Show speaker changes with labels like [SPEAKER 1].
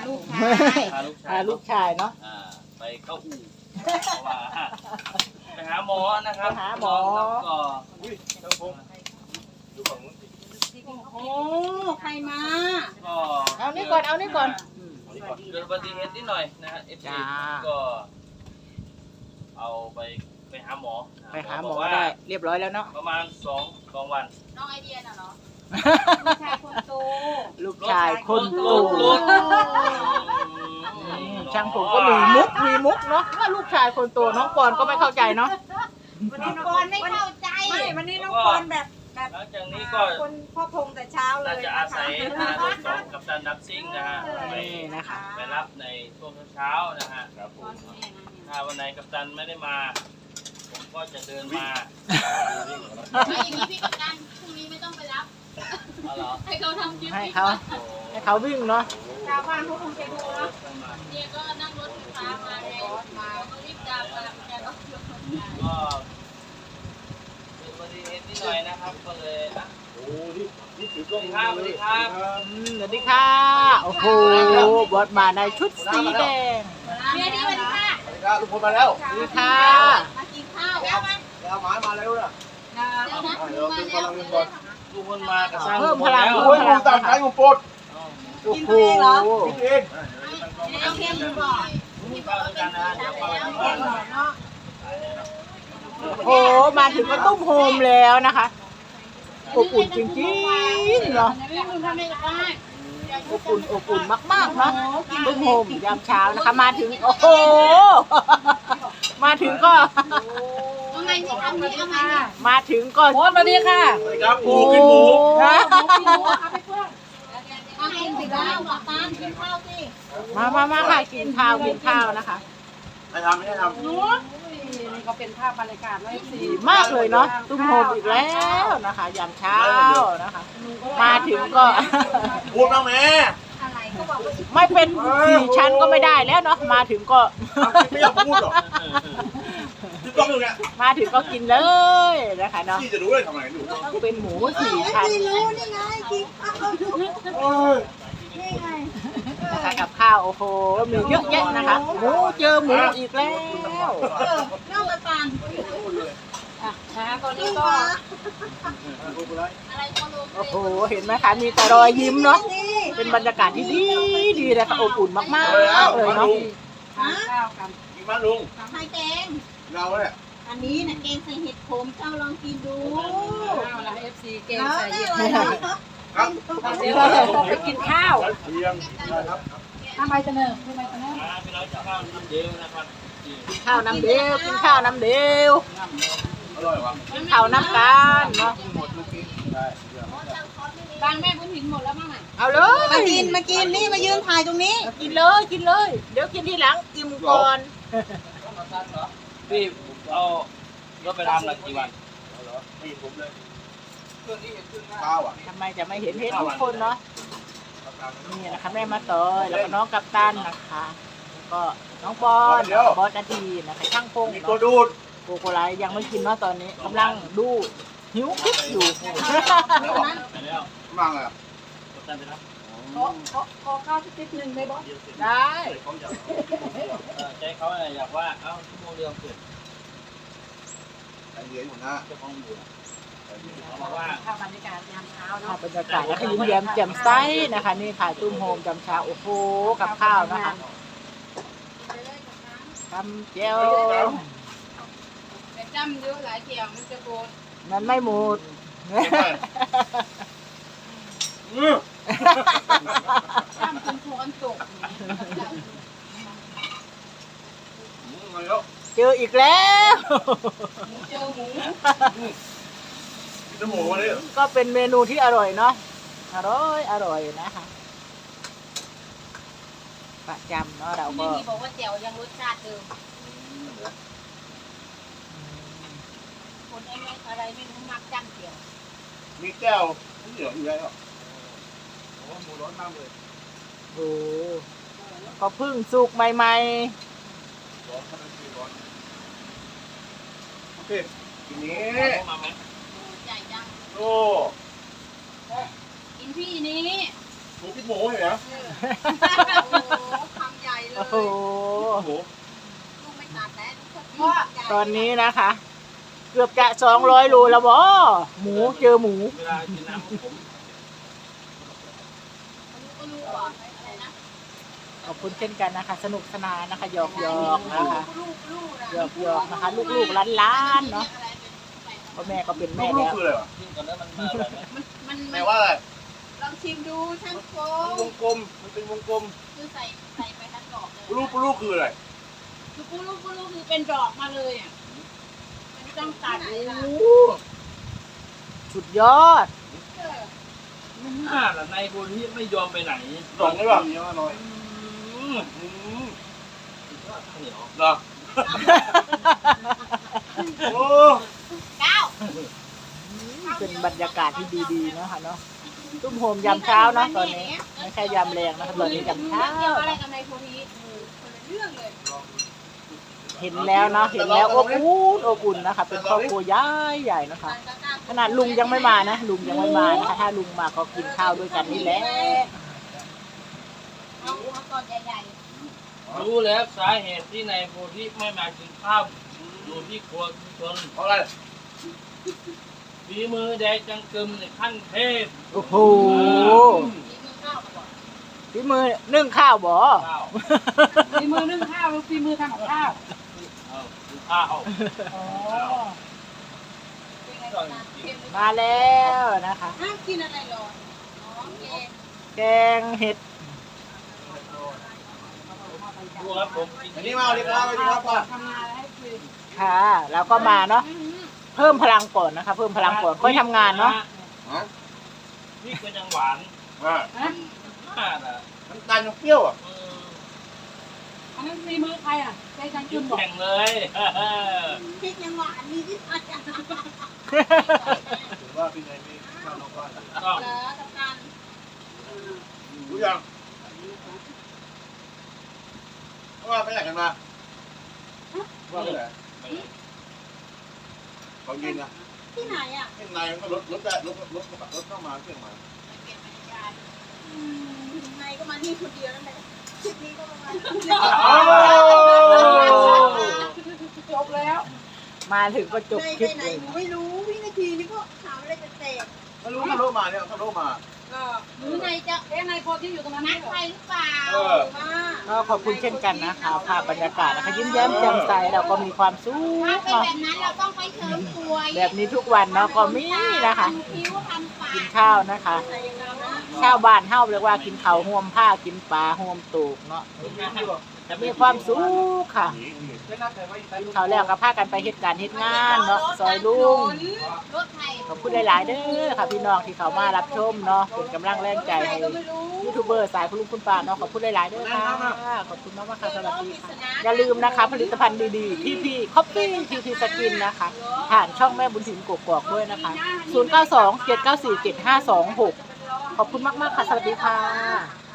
[SPEAKER 1] ลูกชาย
[SPEAKER 2] พาลูกชายเนาะ
[SPEAKER 3] ไปเข้าอู่เพราะว่าไปหาหมอนะครับ
[SPEAKER 2] ไปหาหมอ
[SPEAKER 3] ก็
[SPEAKER 1] โอ้ใครมา
[SPEAKER 3] ก็
[SPEAKER 2] เอานี่ก่อนเอานี่ก่อน
[SPEAKER 3] เกิดอุบัติเหตุนิดหน่อยนะฮะ FC ก็เอาไปหาหมอ
[SPEAKER 2] ไปหาหมอได้เรียบร้อยแล้วเนาะ
[SPEAKER 3] ประมาณ2 วัน
[SPEAKER 1] น้องไอเดียน่ะเหรอลูกชายคนโต
[SPEAKER 2] ลูกชายคน
[SPEAKER 3] ร
[SPEAKER 2] โต
[SPEAKER 3] ถ
[SPEAKER 2] ช่างผมก็มีมุกเนาะว่าลูกชายคนโตน้องปอนก็ไม่เข้าใจเนาะ
[SPEAKER 1] วันนี้น้องปอนไม่เข้าใจไม่วันนี้น้องปอนแบบ
[SPEAKER 3] หลังจากนี้ก็
[SPEAKER 1] คนพ่อพงแต่เช้าเล
[SPEAKER 3] น่าย จะอาศัยรถของกัปตันดับซิ่งนะฮะไป
[SPEAKER 2] นี่นะคะ
[SPEAKER 3] ไปรับในช่วงเช้าๆนะฮะครับผมถ้าวันไหนกัปตันไม่ได้มา ผมก็จะเดินมา
[SPEAKER 4] ไม่อย่างนี้พี่กัปตันพรุ่งนี้ไม่ต้องไปรับ
[SPEAKER 3] เอาเหรอ
[SPEAKER 4] ให้เขาทำคลิป
[SPEAKER 2] ให้เขาวิ่งเนาะ
[SPEAKER 1] ชาวบ้านเขาคงจะดูเนาะ
[SPEAKER 4] เนี่ยก็นั่งรถไฟฟ้ามาไงมาก็รีบตามมาแกก็ยกคนได้
[SPEAKER 3] ก็เป็นอุบัติเหตุนิดหน่อยนะครับก็เลยนะ
[SPEAKER 5] โอ้นี่ถือกล้อง
[SPEAKER 3] สวัสดีครับ
[SPEAKER 2] สวัสดีค่ะโอ้โหบอสมาในชุดสีแดง
[SPEAKER 4] เมียดีสวัสดีค่ะ
[SPEAKER 5] สวัสดีครับทุกคนมาแล้ว
[SPEAKER 2] สวัสดีค่ะ
[SPEAKER 4] มากินข้าวแล้วมั้ย
[SPEAKER 5] แล้วหมายมาแล้วนะ
[SPEAKER 4] เดี๋ยวนะมาแล้ว
[SPEAKER 3] ทุกคนมากับสร้าง
[SPEAKER 2] เพิ่มพลัง
[SPEAKER 3] แล้ว
[SPEAKER 5] โอ้ยงูตามขายงูปด
[SPEAKER 2] โอ้โห
[SPEAKER 5] กินเอง
[SPEAKER 4] เอาเค็มดูก่อน
[SPEAKER 3] มีข้าวด้วยกันนะเดี๋ยวข้าว
[SPEAKER 1] เก่งหน่อยเนาะ
[SPEAKER 2] โอ้โหมาถึงก็ตุ้มโฮมแล้วนะคะอบอุ่นจริงๆเนาะ
[SPEAKER 4] นี่มึงทำไม่ได้
[SPEAKER 2] อบอุ่นมากๆเนาะตุ้มโฮมยามเช้านะคะมาถึงโอ้โหมาถึงก็
[SPEAKER 4] เอาไงสิทำนี่เอาไง
[SPEAKER 2] มาถึงก็
[SPEAKER 1] สวัสดีค่ะ
[SPEAKER 5] สวัสดีครับหมูกินหมู
[SPEAKER 2] นะ
[SPEAKER 4] เอาไงสิแล้วกัปตันกินข้าวสิ
[SPEAKER 2] มาค่ะกินข้าวนะคะ
[SPEAKER 5] ไม่ทำไม่ได้ทำ
[SPEAKER 1] นี่ก็เป็นภาพบรรยากาศไว้สิ
[SPEAKER 2] ดีมากเลยเนาะตุ้มโฮมอีกแล้วนะคะยามเช้านะคะ มาถึงก็
[SPEAKER 5] พูดบ้างแม่
[SPEAKER 1] อะไรก็บอกว่า
[SPEAKER 2] ไม่เป็น4 ชั้นก็ไม่ได้แล้วเนาะมาถึงก็
[SPEAKER 5] ไม่อยากพูดหรอกถือกล้องอยู่เนี่ย
[SPEAKER 2] มาถึงก็กินเลยนะคะเนาะ
[SPEAKER 5] พี่จะรู้เลยทำไมหนู
[SPEAKER 2] เป็นหมู4 ชั้น
[SPEAKER 1] รู้นี่ไงกินข้าว
[SPEAKER 5] โอ้ย
[SPEAKER 1] นี่ไง
[SPEAKER 2] นะคะกับข้าวโอ้โหมีเยอะแยะนะคะหมูเจอหมูอีกแล้ว
[SPEAKER 4] น้องกัปตัน
[SPEAKER 1] นะคะตอนนี้ก็
[SPEAKER 4] อะไรก็ลง
[SPEAKER 2] โอ้โหเห็นไหมคะมีแต่รอยยิ้มเนาะเป็นบรรยากาศที่ดีเลยค่ะอบอุ่นมากๆเลยเนาะ
[SPEAKER 1] ข้าวกัน
[SPEAKER 5] กินมาลุง
[SPEAKER 4] ไข่แกง
[SPEAKER 5] เราเนี่ย
[SPEAKER 4] อันนี้นะแกงใส่เห็ดขมเจ้าลองกินดู
[SPEAKER 1] ข้าวละ FC เกมใส่เย็น
[SPEAKER 5] ครับ
[SPEAKER 1] เดี๋ยวเราต้องไปกินข้าว
[SPEAKER 5] เทียมนะครับ
[SPEAKER 1] ทำไมเสนอทำไมเสนอ
[SPEAKER 3] พี่น้องจะข้าวน้ำเดียวนะครับ
[SPEAKER 2] ข้าวน้ำเดียวกินข้าวน้ำเดียว
[SPEAKER 5] อร่อยวะ
[SPEAKER 2] กินข้าวน้ำกันเนาะ
[SPEAKER 5] ได้
[SPEAKER 4] บางแม่บุญหินหมดแล้วมั้งอ่ะ
[SPEAKER 2] เอาเลย
[SPEAKER 1] มากินนี่มายืนถ่ายตรงนี้
[SPEAKER 2] กินเลยกินเลย เดี๋ยวกินทีหลังอิ่มก่อน
[SPEAKER 3] พี่เอารถไปทำหลักกี่วัน
[SPEAKER 5] นี่ผมเลยข้าวอ่ะ
[SPEAKER 2] ทำไมจะไม่เห็นทุกคนเนาะนี่นะคะแม่มาต่อยแล้วก็น้องกัปตันนะคะแล้วก็น้องบอลบอสนาทีนะคะช่างพง
[SPEAKER 5] มีตัวดูด
[SPEAKER 2] โกโกไลยังไม่กินเนาะตอนนี้กำลังดูหิวคลิปอยู่
[SPEAKER 5] แล้วบอก
[SPEAKER 3] ไปแล้ว
[SPEAKER 5] มั่งอ่ะ
[SPEAKER 3] กัปตันไปรับ
[SPEAKER 1] ขอข้าวสักนิดนึงได้บอส
[SPEAKER 2] ได้
[SPEAKER 3] ใจเขาอยากว่าเอ้าชั่วโมงเดียวเสร็จ
[SPEAKER 5] ใจเย็นหัวหน้า
[SPEAKER 3] เจ้าของอยู่เขาบอกว่า
[SPEAKER 1] ภาพบรรยากาศยามเช้า
[SPEAKER 2] ภา
[SPEAKER 1] เนาะ
[SPEAKER 2] พบรรยากาศนะคะยิ้มแย้มแจ่มใสนะคะนี่ค่ะตุ้มโฮมจำเช้าโอ้โหกับข้าวนะคะทำเจียว
[SPEAKER 4] แต่จำเยอะหลายเกี่ยวมันจะโกน
[SPEAKER 2] มันไม่หมด
[SPEAKER 4] จำเป็นช้อนตก
[SPEAKER 5] มาแล้ว
[SPEAKER 2] เจออีกแล้ว
[SPEAKER 4] เจอหมู
[SPEAKER 5] กินน้ำหมูมาเลย
[SPEAKER 2] ก็เป็นเมนูที่อร่อยเนาะอร่อยนะคะประจำเนาะเรา
[SPEAKER 4] ไม่
[SPEAKER 2] ก็
[SPEAKER 4] มีบอกว่าแจ่วยังรสชาติเดิมคนอะไรไม่รู้มักจำเกี่ยว
[SPEAKER 5] มีแก้วเหลืออยู่แล้วโอ้หมูร้อนมากเลย
[SPEAKER 2] โอ้ก็เพึ่งสุกใหม่
[SPEAKER 5] ร้อนขนาดนี้ร้อนโอเคทีนี้
[SPEAKER 3] มาไหม
[SPEAKER 4] ใหญ่จัง
[SPEAKER 5] โอ้
[SPEAKER 4] กินพี่นี้
[SPEAKER 5] หมูกินหมูเห็นไหม
[SPEAKER 4] เ
[SPEAKER 5] หมู
[SPEAKER 4] ลูกไม่ตัดแต่ลูกชอบกิน
[SPEAKER 2] ตอนนี้นะคะ เกือบจะ200 โลแล้วบ่หมูเจอหมู
[SPEAKER 3] เวลากินน้ำของผม
[SPEAKER 4] ก็รู้ว่าอะไรนะ
[SPEAKER 2] ขอบคุณเช่นกันนะคะ สนุกสนานนะคะหยอกนะคะ
[SPEAKER 4] ลูก
[SPEAKER 2] หยอกนะคะ ลูกๆล้านๆเนาะเพราะแม่ก็เป็นแม่
[SPEAKER 5] ลูก
[SPEAKER 2] แล้ว
[SPEAKER 5] คืออะไรวะ
[SPEAKER 3] กินกันแล้วมันอร่อยไหม
[SPEAKER 4] มัน
[SPEAKER 5] แปลว่าอะไร
[SPEAKER 4] ลองชิมดูช่างโฟ
[SPEAKER 5] วงกลมมันเป็นวงกลม
[SPEAKER 4] คือใส่ไปทั้งดอกเลย
[SPEAKER 5] ลูกคืออะไร
[SPEAKER 4] คือปูลูกคือเป็นดอกมาเลยอ่ะไม่ต้องตัดเลยล่ะ
[SPEAKER 2] สุดยอด
[SPEAKER 3] ไม่น่าล่ะนายคนที่ไม่ยอมไปไหน
[SPEAKER 5] ดอกนี่ป่ะมีอร่อย
[SPEAKER 3] อืม ข้าวเหนียว
[SPEAKER 5] เหรอโอ้
[SPEAKER 4] เก้า
[SPEAKER 2] เป็นบรรยากาศที่ดีๆเนาะค่ะเนาะตุ้มโฮมยามเช้าเนาะตอนนี้ไม่ใช่ยามแรงนะคะตอนนี้ยามเช้า
[SPEAKER 4] เกี่ยวอะไรกับนายโพธิคนละเรื่องเลย
[SPEAKER 2] เห็นแล้วเนาะเห็นแล้วอบอุ่นนะคะเป็นครอบครัวใหญ่ๆนะคะ ขนาดลุงยังไม่มานะลุงยังไม่มานะคะถ้าลุงมาก็กินข้าวด้วยกันนี่แหละ
[SPEAKER 4] เอาก่อนใหญ่
[SPEAKER 3] รู้แล้วสาเหตุที่นายโพธิไม่มากินข้าวอยู่ที่ครัวชุมชน
[SPEAKER 5] เพราะอะไร
[SPEAKER 3] ฝีมือแดงจังกึมในขั้นเทพ
[SPEAKER 2] โอ้โห
[SPEAKER 4] ๆมีมือข้าวมาก่อน
[SPEAKER 2] ฝีมือนึ่งข้าวบ่
[SPEAKER 3] ข้าว
[SPEAKER 1] ฝีมือนึ่งข้าวหรือฝีมือทำกับข้าว
[SPEAKER 3] เอากินข้าว
[SPEAKER 1] อ๋อ
[SPEAKER 4] เป็นไงบ้างเค็มหรือเปล่า
[SPEAKER 2] มาแล้วนะคะ
[SPEAKER 4] ห้ามกินอะไรหรออ๋อเกม
[SPEAKER 2] แกงเห็ด
[SPEAKER 3] ดูครับผมกิน
[SPEAKER 5] อันนี้มาเอาดีครับเอาดีครับป่ะ
[SPEAKER 1] ทำงานแล้วให้คุย
[SPEAKER 2] ค่ะ แล้วก็มาเนาะเพิ่มพลังก่อนนะคะ เพิ่มพลังก่อนค่อยทำงานเนาะ
[SPEAKER 5] ฮะ
[SPEAKER 3] นี่ก็ยังหวาน
[SPEAKER 5] อ่า
[SPEAKER 3] น่าล่ะ
[SPEAKER 5] น้ำตาลยังเปรี้ยวอ่ะ
[SPEAKER 1] อันนั้นฝีมือใครอ่ะใจจัง
[SPEAKER 3] กิ
[SPEAKER 1] กึ
[SPEAKER 3] น
[SPEAKER 1] มบอก
[SPEAKER 3] แข่งเลย
[SPEAKER 4] พริกยังหวานมีที่มาจาก
[SPEAKER 5] ถือว่าพี่นายมีข้าวน้องบ้าน
[SPEAKER 3] ก็
[SPEAKER 4] เหรอกับการ
[SPEAKER 5] รู้ยังว่าไปไหนกันมาว่าไปไหนเขายินนะ
[SPEAKER 4] ที่ไหนอ่ะ
[SPEAKER 5] ที่นายมันก็รถเข้ามาเครื่องมา
[SPEAKER 4] เก็บจักรยานนายก็มานี่คนเดียวนั่นแหละคลิปนี้ก็ประมาณ
[SPEAKER 1] จบแล้ว
[SPEAKER 2] มาถึงก็จบ
[SPEAKER 4] นาย
[SPEAKER 2] คลิป
[SPEAKER 4] ไปไหน
[SPEAKER 2] เลย
[SPEAKER 4] หนูไม่รู้วินาทีนี้ก็ถามอะไรแปลก
[SPEAKER 5] เขารู้มาเนี่ยเขารู้มา
[SPEAKER 4] ๆหรือนายจะ
[SPEAKER 1] เอ๊ะนายโพที่อยู่ตรงนั้น
[SPEAKER 4] นั
[SPEAKER 1] ไม่
[SPEAKER 4] ด
[SPEAKER 1] เหรอ
[SPEAKER 4] ใครหรือเปล่า
[SPEAKER 2] ก็ขอบคุณเช่นกันนะคะภาพบรรยากาศนะคะยิ้มแย้มแจ่มใสเราก็มีความสุข
[SPEAKER 4] ถ้าเป็น
[SPEAKER 2] เนาะ
[SPEAKER 4] แบบนั้นเราต้องไปเสริมสวย
[SPEAKER 2] แบบนี้ทุกวันเนาะก็มีนะคะ
[SPEAKER 4] ทำคิ้วทำปาก
[SPEAKER 2] กินข้าวนะคะ
[SPEAKER 4] ใส่กาวนะ
[SPEAKER 2] ชาวบ้านเฮาเรียกว่ากินข้าวห่วมผ้ากินปลาห่วมตูกเนาะมีความสุขค่ะกินข้าวแล้วก็พากันไปเฮ็ดการเฮ็ดงานเนาะซอยลุง
[SPEAKER 4] รถไทย
[SPEAKER 2] ขอบคุณหลายๆเด้อค่ะพี่น้องที่เขามารับชมเนาะเป็นกำลังแรงใจให้
[SPEAKER 4] ก็ไม่รู้
[SPEAKER 2] ยูทูบเบอร์สายคุณลุงคุณป้าเนาะขอบคุณหลายๆเด้อค่ะขอบคุณมากๆค่ะสวัสดีค่ะอย่าลืมนะคะ ผลิตภัณฑ์ดีๆที่พี่คอฟฟี่ทีพีสกินนะคะผ่านช่องแม่บุญถิ่นกกอกด้วยนะคะ0927947526ขอบคุณมากๆค่ะสวัสดีค่ะ